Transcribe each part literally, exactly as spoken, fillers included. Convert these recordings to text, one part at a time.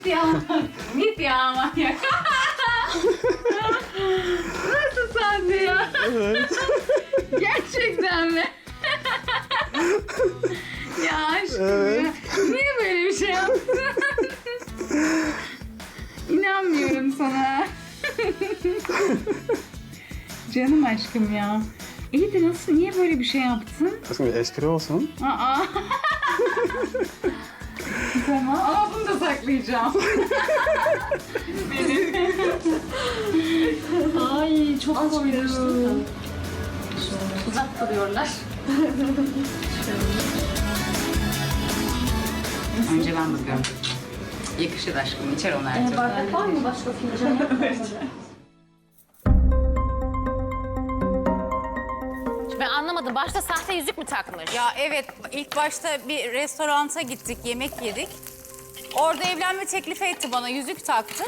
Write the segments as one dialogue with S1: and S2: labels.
S1: Ya, git ya manyak. Nasıl sahne ya?
S2: Evet.
S1: Gerçekten mi? Ya aşkım
S2: Evet.
S1: ya. Niye böyle bir şey yaptın? İnanmıyorum sana. Canım aşkım ya. İyi de nasıl, niye böyle bir şey yaptın?
S2: Aslında bir espri olsun.
S1: Aa. Tamam ama bunu da saklayacağım. Benim. Ay çok komik. Uzak duruyorlar. Önce ben bakıyorum. Yakışır aşkım, içer onu her türlü.
S3: Bardak var mı başka fincan?
S4: Ben anlamadım. Başta sahte yüzük mü takmış?
S5: Ya evet, ilk başta bir restoranta gittik, yemek yedik. Orada evlenme teklifi etti bana, yüzük taktı.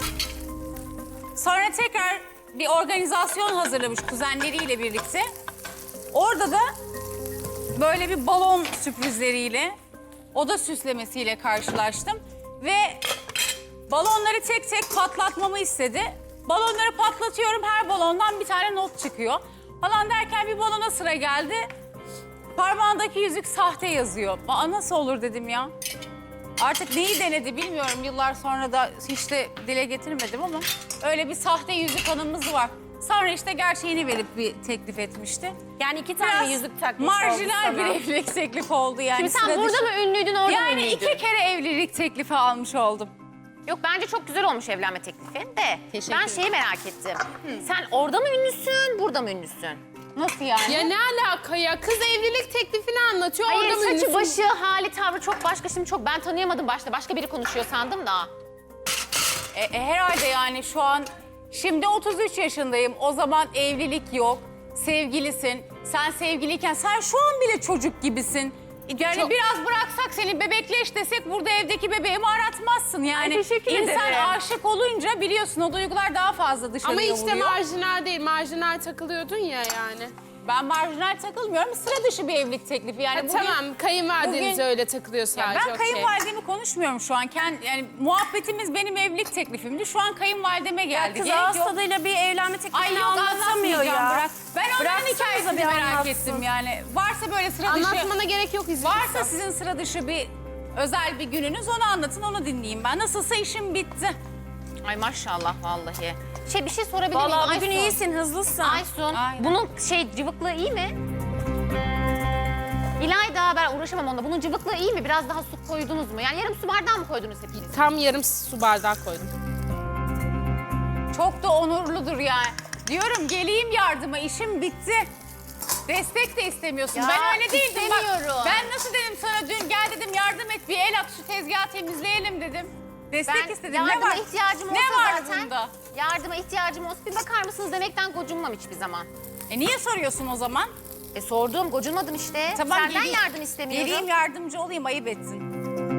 S5: Sonra tekrar bir organizasyon hazırlamış kuzenleriyle birlikte. Orada da böyle bir balon sürprizleriyle, oda süslemesiyle karşılaştım. Ve balonları tek tek patlatmamı istedi. Balonları patlatıyorum, her balondan bir tane not çıkıyor. Falan derken bir balona sıra geldi. Parmağındaki yüzük sahte yazıyor. Aa, nasıl olur dedim ya. Artık neyi denedi bilmiyorum. Yıllar sonra da hiç de dile getirmedim ama öyle bir sahte yüzük anımız var. Sonra işte gerçeğini verip bir teklif etmişti.
S4: Yani iki tane
S5: Biraz
S4: yüzük takmış
S5: marjinal
S4: oldu
S5: bir
S4: sana.
S5: evlilik teklifi oldu yani.
S4: Şimdi sen
S5: sıra
S4: burada
S5: dışı.
S4: mı ünlüydün, orada mı
S5: Yani
S4: ünlüydün?
S5: iki kere evlilik teklifi almış oldum.
S4: Yok, bence çok güzel olmuş evlenme teklifi de.
S5: Teşekkür
S4: Ben
S5: ederim.
S4: şeyi merak ettim. Sen orada mı ünlüsün, burada mı ünlüsün?
S5: Nasıl yani?
S6: Ya ne alaka ya? Kız evlilik teklifini anlatıyor.
S4: Hayır,
S6: orada mı
S4: saçı,
S6: ünlüsün?
S4: başı, hali, tavrı çok başka. Şimdi çok ben tanıyamadım başta. Başka biri konuşuyor sandım da.
S5: E, e, herhalde yani şu an, şimdi otuz üç yaşındayım. O zaman evlilik yok, sevgilisin. Sen sevgiliyken sen şu an bile çocuk gibisin. Yani
S6: Çok-
S5: biraz bıraksak seni bebekleş desek burada evdeki bebeğimi aratmazsın yani.
S4: Ay, teşekkür
S5: İnsan
S4: ederim.
S5: aşık olunca biliyorsun o duygular daha fazla dışarıya
S6: Ama hiç de
S5: vuruyor.
S6: marjinal değil. Marjinal takılıyordun ya yani.
S5: Ben marjinal takılmıyorum. Sıra dışı bir evlilik teklifi yani.
S6: Ha,
S5: bugün-
S6: tamam, kayınvalideniz
S5: bugün-
S6: öyle takılıyor
S5: Ya
S6: sadece.
S5: ben
S6: okey.
S5: kayınvalidemi konuşmuyorum şu an. Kend, yani muhabbetimiz benim evlilik teklifimdi. Şu an kayınvalideme geldi.
S4: Kız
S5: Gerek
S4: ağız
S5: yok.
S4: tadıyla bir evlenme teklifini
S5: Ay yok
S4: anlatamıyor
S5: anlatmayacağım,
S4: ya.
S5: bırak. Ben onların
S4: Bıraksanıza
S5: hikayesini
S4: bir
S5: merak
S4: anlatsın.
S5: ettim yani. Varsa böyle sıra dışı...
S6: Anlatmana gerek yok izin.
S5: Varsa sizin sıra dışı bir özel bir gününüz, onu anlatın, onu dinleyeyim ben. Nasılsa işim bitti.
S4: Ay maşallah vallahi. Şey, bir şey sorabilir miyim?
S5: Vallahi bugün
S4: Aysun.
S5: iyisin, hızlısın.
S4: Aysun,
S5: Aynen.
S4: bunun şey cıvıklığı iyi mi? İlayda, ben uğraşamam onunla. Bunun cıvıklığı iyi mi? Biraz daha su koydunuz mu? Yani yarım su bardağı mı koydunuz hepiniz?
S6: Tam yarım su bardağı koydum.
S5: Çok da onurludur yani. Diyorum geleyim yardıma, işim bitti. Destek de istemiyorsun.
S4: Ya,
S5: ben öyle değildim. Bak,
S4: istemiyorum.
S5: ben nasıl dedim sana dün, gel dedim yardım et, bir el at şu tezgahı temizleyelim dedim. Destek
S4: Ben
S5: istedim. Ne
S4: yardıma
S5: var?
S4: ihtiyacım olsa
S5: Ne var
S4: zaten,
S5: bunda?
S4: yardıma ihtiyacım olsa bir bakar mısınız demekten gocunmam hiçbir zaman.
S5: E niye soruyorsun o zaman?
S4: E sordum, gocunmadım işte.
S5: Tamam,
S4: Senden
S5: geleyim-
S4: yardım istemiyorum.
S5: Geleyim yardımcı olayım, ayıp etsin.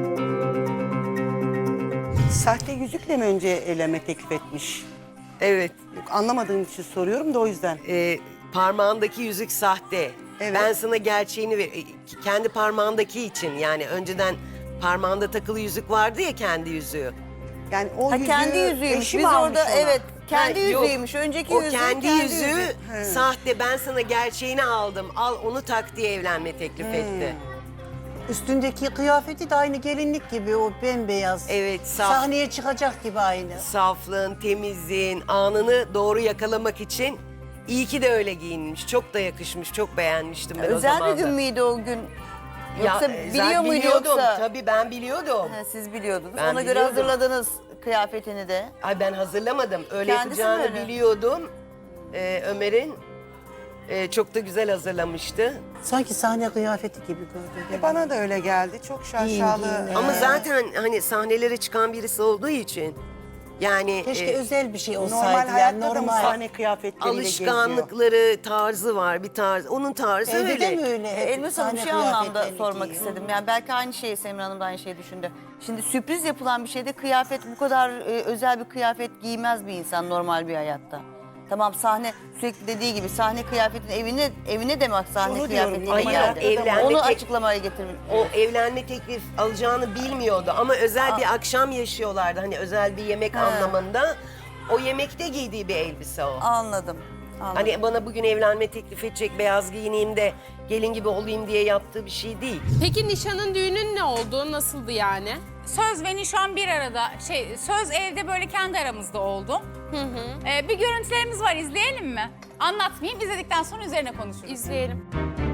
S7: Sahte yüzükle mi önce evlenme teklif etmiş?
S8: Evet,
S7: Yok, anlamadığım için soruyorum da o yüzden.
S8: e, parmağındaki yüzük sahte.
S7: Evet.
S8: Ben sana gerçeğini ver, e, kendi parmağındaki için yani önceden parmağında takılı yüzük vardı ya, kendi yüzüğü.
S7: Yani o
S9: Ha,
S7: yüzüğü
S9: kendi yüzüğüymüş.
S7: eşi
S9: Biz
S7: mi almış
S9: orada
S7: ona?
S9: evet kendi
S8: Ha, yok.
S9: yüzüğüymüş. Önceki
S8: O
S9: yüzüğü
S8: kendi, yüzüğü
S7: yüzüğü. He.
S8: sahte. Ben sana gerçeğini aldım. Al onu tak diye evlenme teklif etti.
S9: Üstündeki kıyafeti de aynı gelinlik gibi o bembeyaz.
S8: Evet, saf.
S9: Sahneye çıkacak gibi aynı.
S8: Saflığın, temizliğin, anını doğru yakalamak için iyi ki de öyle giyinmiş. Çok da yakışmış, çok beğenmiştim ben o
S9: Özel
S8: zaman
S9: bir gün
S8: da.
S9: müydü o gün? Yoksa
S8: Ya,
S9: biliyor
S8: zaten
S9: muydu
S8: biliyordum.
S9: yoksa?
S8: Tabii ben biliyordum.
S9: Ha, siz biliyordunuz.
S8: Ben
S9: Ona göre
S8: biliyordum.
S9: hazırladınız kıyafetini de.
S8: Ay ben hazırlamadım. Öyle
S9: Kendisi
S8: yapacağını
S9: mi öyle?
S8: biliyordum. Ee, Ömer'in e, çok da güzel hazırlamıştı.
S9: Sanki sahne kıyafeti gibi gördüm.
S7: E, Bana da öyle geldi. Çok şaşalı.
S9: giyin,
S8: Ama
S9: Ee.
S8: zaten hani sahnelere çıkan birisi olduğu için yani
S9: Keşke
S8: e,
S9: özel bir şey olsaydı.
S7: Normal
S9: yani
S7: hayatta da mı
S9: normal.
S7: sahne kıyafetleriyle geziyor?
S8: alışkanlıkları, tarzı var, bir tarz. Onun tarzı
S9: Evde
S8: öyle.
S9: de mi öyle?
S10: E,
S9: Hep
S10: Elmas Hanım
S9: sahne
S10: şey anlamda
S9: kıyafetlerini
S10: sormak
S9: giyiyor.
S10: istedim. Yani belki aynı şeyi Semra Hanım da aynı şeyi düşündü. Şimdi sürpriz yapılan bir şeyde kıyafet bu kadar e, özel bir kıyafet giymez bir insan normal bir hayatta. Tamam sahne sürekli dediği gibi sahne kıyafetin evine evine de mi sahne
S7: Onu diyorum,
S10: kıyafetiyle
S8: ama
S10: geldi?
S8: evlenme
S10: Onu
S8: tek-
S10: açıklamaya getirmiş.
S8: O evlenme teklif alacağını bilmiyordu ama özel bir akşam yaşıyorlardı. Hani özel bir yemek anlamında. O yemekte giydiği bir elbise o.
S10: Anladım. Anladım.
S8: Hani bana bugün evlenme teklif edecek, beyaz giyineyim de gelin gibi olayım diye yaptığı bir şey değil.
S6: Peki nişanın düğünün ne oldu? Nasıldı yani?
S5: Söz ve nişan bir arada, şey söz evde böyle kendi aramızda oldu.
S6: Hı hı.
S5: Ee, bir görüntülerimiz var, izleyelim mi? Anlatmayayım, izledikten sonra üzerine konuşuruz.
S6: İzleyelim.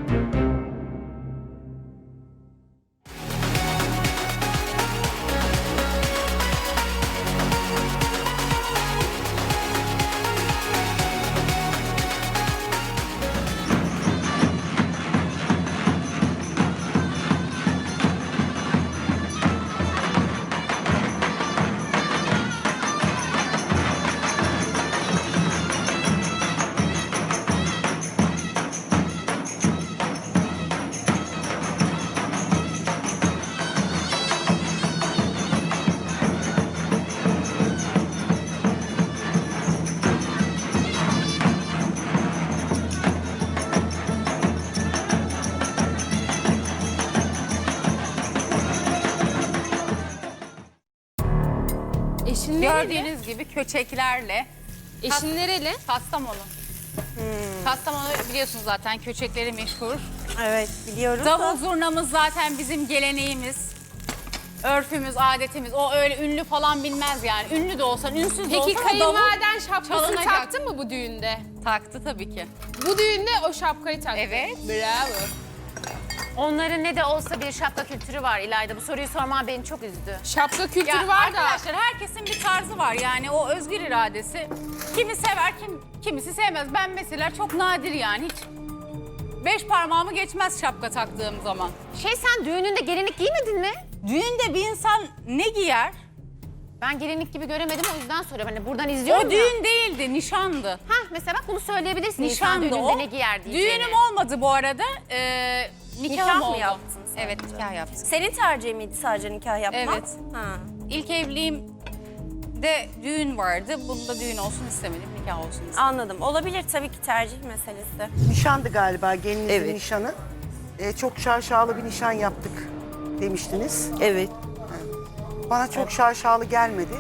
S6: Eşin nereli?
S5: Gördüğünüz gibi köçeklerle
S6: Eşin nereli?
S5: Kastamonu. Kastamonu biliyorsunuz zaten köçekleri meşhur.
S9: Evet biliyoruz.
S5: Davul zurnamız zaten bizim geleneğimiz. Örfümüz, adetimiz. O öyle ünlü falan bilmez yani. Ünlü de olsan, ünsüz de
S6: Peki
S5: olsan o davul
S6: kayınvaliden şapkasını
S5: çalınacak.
S6: taktı mı bu düğünde?
S5: Taktı tabii ki.
S6: Bu düğünde o şapkayı taktı.
S5: Evet.
S6: Bravo.
S4: Onların ne de olsa bir şapka kültürü var İlayda. Bu soruyu sorman beni çok üzdü.
S6: Şapka kültürü
S5: Ya
S6: var da.
S5: arkadaşlar herkesin bir tarzı var yani o özgür iradesi. Kimi sever, kim kimisi sevmez. Ben mesela çok nadir yani hiç beş parmağımı geçmez şapka taktığım zaman.
S4: Şey sen düğününde gelinlik giymedin mi?
S5: Düğünde bir insan ne giyer?
S4: Ben gelinlik gibi göremedim o yüzden soruyorum. Hani buradan izliyorum
S5: O
S4: ya.
S5: düğün değildi, nişandı.
S4: Hah mesela bak bunu söyleyebilirsin. İnsan
S5: Nişandı
S4: düğününde
S5: o.
S4: ne giyer diyeceğine.
S5: Düğünüm olmadı bu arada. Ee, nikahım
S3: Nikah mı
S5: oldu.
S3: yaptın sen?
S5: Evet, nikah yaptım.
S3: Senin tercihin miydi sadece nikah yapmak?
S5: Evet.
S3: Ha.
S5: İlk evliliğimde düğün vardı. Bunda düğün olsun istemedim, nikah olsun istedim.
S3: Anladım. Olabilir tabii ki tercih meselesi.
S7: Nişandı galiba gelinizin
S8: Evet.
S7: nişanı. Ee, çok şaşalı bir nişan yaptık demiştiniz.
S8: Evet.
S7: Bana çok şaşalı gelmedi.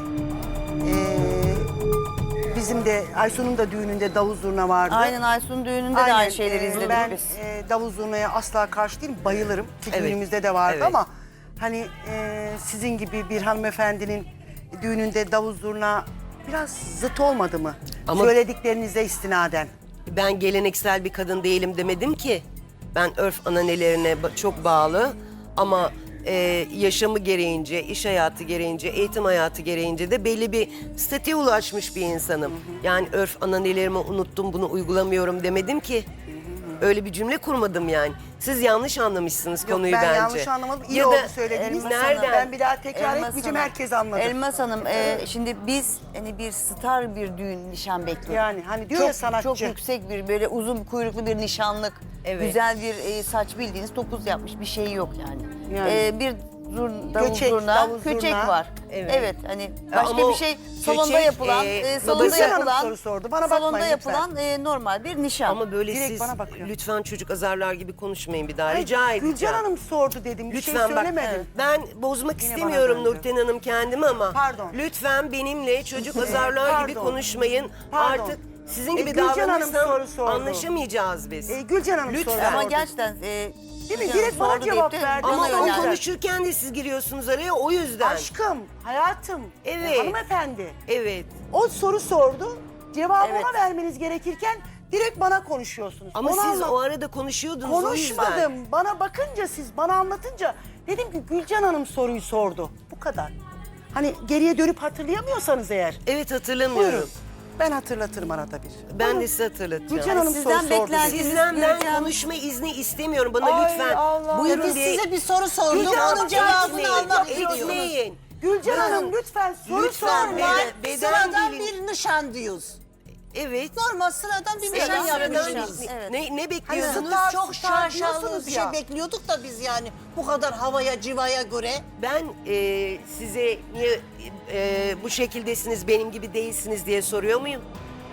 S7: Ee, bizim de Aysun'un da düğününde davul zurna vardı.
S10: Aynen Aysun'un düğününde de
S7: Aynen,
S10: aynı şeyleri
S7: e,
S10: izledik
S7: ben,
S10: biz.
S7: e, davul zurnaya asla karşı değilim, bayılırım. Ki
S8: Evet,
S7: düğünümüzde de vardı
S8: evet.
S7: ama hani e, sizin gibi bir hanımefendinin düğününde davul zurna biraz zıt olmadı mı?
S8: Ama-
S7: Söylediklerinize istinaden.
S8: Ben geleneksel bir kadın değilim demedim ki. Ben örf ananelerine ba- çok bağlı ama e, yaşamı gereğince, iş hayatı gereğince, eğitim hayatı gereğince de belli bir statüye ulaşmış bir insanım. Yani örf ananelerimi unuttum, bunu uygulamıyorum demedim ki. Öyle bir cümle kurmadım yani. Siz yanlış anlamışsınız
S7: Yok,
S8: konuyu
S7: ben
S8: bence.
S7: yanlış anlamadım. İyi
S8: Ya
S7: oldu
S8: da
S7: söylediğiniz.
S8: nereden?
S7: Ben bir daha tekrar
S10: Elmas
S7: etmeyeceğim,
S10: Hanım.
S7: herkes anladı.
S10: Elmas Hanım, e, şimdi biz hani bir star bir düğün nişan bekliyoruz.
S7: Yani hani diyor
S10: çok,
S7: ya sanatçı.
S10: Çok yüksek bir böyle uzun kuyruklu bir nişanlık,
S8: Evet.
S10: güzel bir e, saç bildiğiniz topuz yapmış bir şey yok yani.
S7: Yani.
S10: E, bir zur, davul
S7: Köçek,
S10: zurna,
S7: davul
S10: köçek
S7: zurna.
S10: var.
S8: Evet.
S10: Evet. hani başka
S8: ama
S10: bir şey salonda
S8: köçek,
S10: yapılan,
S8: e,
S10: e, salonda
S7: Gülsen Hanım
S10: yapılan,
S7: soru sordu. Bana
S10: salonda
S7: bakmayın lütfen.
S10: yapılan e, normal bir nişan.
S8: Ama böyle
S7: Direkt
S8: siz
S7: bana bakıyor.
S8: lütfen çocuk azarlar gibi konuşmayın bir daha.
S7: Ay,
S8: Rica edeceğim.
S7: Gülcan Hanım sordu dedim. Bir
S8: Lütfen
S7: şey
S8: bak,
S7: söylemedim.
S8: ben bozmak
S7: Yine
S8: istemiyorum
S7: bana döndü.
S8: Nurten Hanım kendimi ama
S7: Pardon.
S8: lütfen benimle çocuk azarlar gibi
S7: Pardon.
S8: konuşmayın.
S7: Pardon.
S8: Artık sizin
S7: E,
S8: gibi
S7: Gülcan Hanım
S8: davranırsam
S7: soru sordu.
S8: anlaşamayacağız biz.
S7: E, Gülcan Hanım
S8: Lütfen.
S7: soru
S10: Ama
S7: sordu.
S10: gerçekten e,
S7: Değil mi?
S10: Gülcan
S7: Direkt bana
S10: sordu deyip
S7: cevap
S10: de
S7: verdi.
S10: bana
S8: Ama o
S10: yöneldi.
S8: konuşurken de siz giriyorsunuz araya o yüzden.
S7: Aşkım, hayatım,
S8: Evet.
S7: e, hanımefendi.
S8: Evet.
S7: O soru sordu. Cevabı
S10: Evet.
S7: ona vermeniz gerekirken direkt bana konuşuyorsunuz.
S8: Ama
S7: Onu
S8: siz
S7: anla-
S8: o arada konuşuyordunuz o yüzden.
S7: Konuşmadım. Bana bakınca siz, bana anlatınca dedim ki Gülcan Hanım soruyu sordu. Bu kadar. Hani geriye dönüp hatırlayamıyorsanız eğer.
S8: Evet hatırlamıyorum.
S7: Buyurun. Ben hatırlatırım arada bir.
S8: Ben
S7: Buyurun.
S8: de size hatırlatacağım.
S7: Gülcan Hanım
S10: Sizden
S7: soru sordu.
S10: beklenti-
S7: dedi.
S8: Sizden ben
S10: Gülcan-
S8: konuşma izni istemiyorum. Bana
S7: Ay
S8: lütfen
S7: Allah.
S8: buyurun
S9: Biz
S8: diye
S9: size bir soru sorduk.
S7: Gülcan Hanım
S9: Onun cevabını
S8: etmeyin,
S9: almak istiyoruz.
S8: etmeyin.
S7: Gülcan Hanım lütfen soru
S8: Lütfen
S7: sormayın.
S8: beden-
S9: Normal
S8: beden
S9: sıradan
S8: dilin-
S9: bir nişan diyoruz.
S8: Evet.
S9: Normal sıradan bir nişan
S10: Sıradan
S9: yapıyoruz.
S10: bir
S9: biz.
S10: nişan. Evet.
S8: Ne, ne
S7: Hani
S8: bekliyorsunuz?
S7: star,
S9: Çok
S7: star
S9: şaşalı
S7: diyorsunuz
S9: bir
S7: ya.
S9: şey bekliyorduk da biz yani bu kadar havaya civaya göre.
S8: Ben e, size niye e, bu şekildesiniz, benim gibi değilsiniz diye soruyor muyum?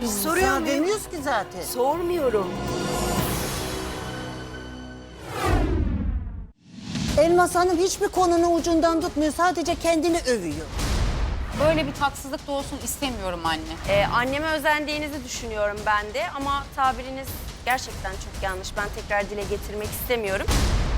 S9: Biz
S8: Soruyor
S9: sana
S8: muyum?
S9: demiyoruz ki zaten.
S8: Sormuyorum.
S9: Elmas Hanım hiçbir konunun ucundan tutmuyor. Sadece kendini övüyor.
S5: Böyle bir tatsızlık da olsun istemiyorum anne.
S3: Ee, anneme özendiğinizi düşünüyorum ben de ama tabiriniz gerçekten çok yanlış. Ben tekrar dile getirmek istemiyorum.